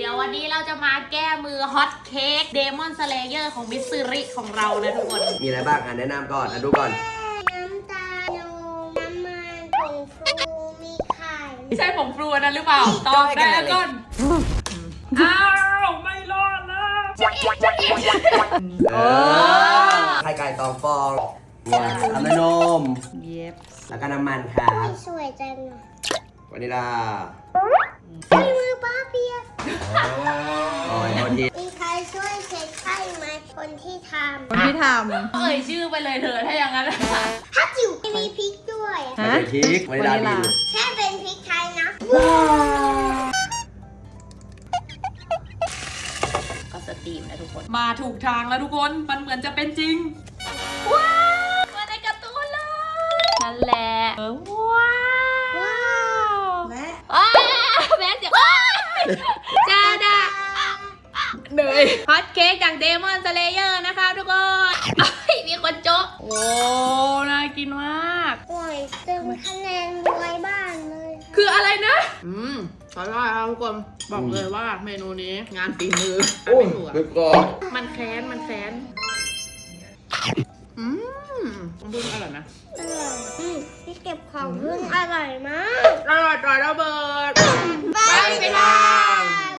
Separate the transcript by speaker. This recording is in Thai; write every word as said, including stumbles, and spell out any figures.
Speaker 1: ดี๋ยววันนี้เราจะมาแก้มือฮอตเค้กเดมอนสเลเยอร์ของมิสซิริของเรานะทุกคน
Speaker 2: มีอะไรบ้างอ่ะแนะนำก่อนอ่ะดูก่อน
Speaker 3: น้ำตาลนมน้ำมันผงฟูมีไข่
Speaker 1: ไม่ใช่ผงฟลูนั้นหรือเปล่าตอบได้ก่อนอ้าวไม่รอดแล้ว
Speaker 2: เออไข่ไก่ตองฟองเนี่ยน้ำมันนม
Speaker 1: เย็บ
Speaker 2: แล้วก็น้ำมันครับ
Speaker 3: สวยจังอะ
Speaker 2: วานิลา
Speaker 3: ใช้มือป้าเปียก
Speaker 2: โอ้ยโทษที
Speaker 3: มีใครช่วยเช็ดไข่ไหมคนที่ท
Speaker 4: คนที่ท
Speaker 1: เอ่ยชื่อไปเลยเถอะถ้าอย่างนั้น
Speaker 3: ำฮัจิ๋วมีพริกด้วย
Speaker 4: ำ
Speaker 2: ใส่พริกวานิลาบีบ
Speaker 3: แค่เป็นพริกไทยนะ
Speaker 1: ก็สตรีมนะทุกคน มาถูกทางแล้วทุกคนมันเหมือนจะเป็นจริงว้าวมาในการ์ตูนเลยนั่นแหละเออว้าว
Speaker 3: ว้าว
Speaker 4: และ
Speaker 1: อ้าวแม่เสียงอ้าวจ้าดาเหนื่อยฮอตเค้กจากเดมอนสเลเยอร์นะคะทุกคนเอ้ยมีคนโจ๊ะโอ้น่ากินมาก
Speaker 3: โอ้ยเต็มคะแนนรวยบ้านเลย
Speaker 1: คืออะไรนะ
Speaker 4: อืมขอโทษครับทุกคนบอกเลยว่าเมนูนี้งานฝีมือ
Speaker 2: โอ้ย
Speaker 4: ไม่ถูกอะ
Speaker 2: นึกก่อน
Speaker 1: มันแค้นมันแค้น
Speaker 4: อืมต้องพูดอร่อยนะ
Speaker 3: อร่อยอืมที่เก็บของพึ่งอร่อยมาก
Speaker 4: อร่อยจอยระเบิด
Speaker 3: ไปไปทาน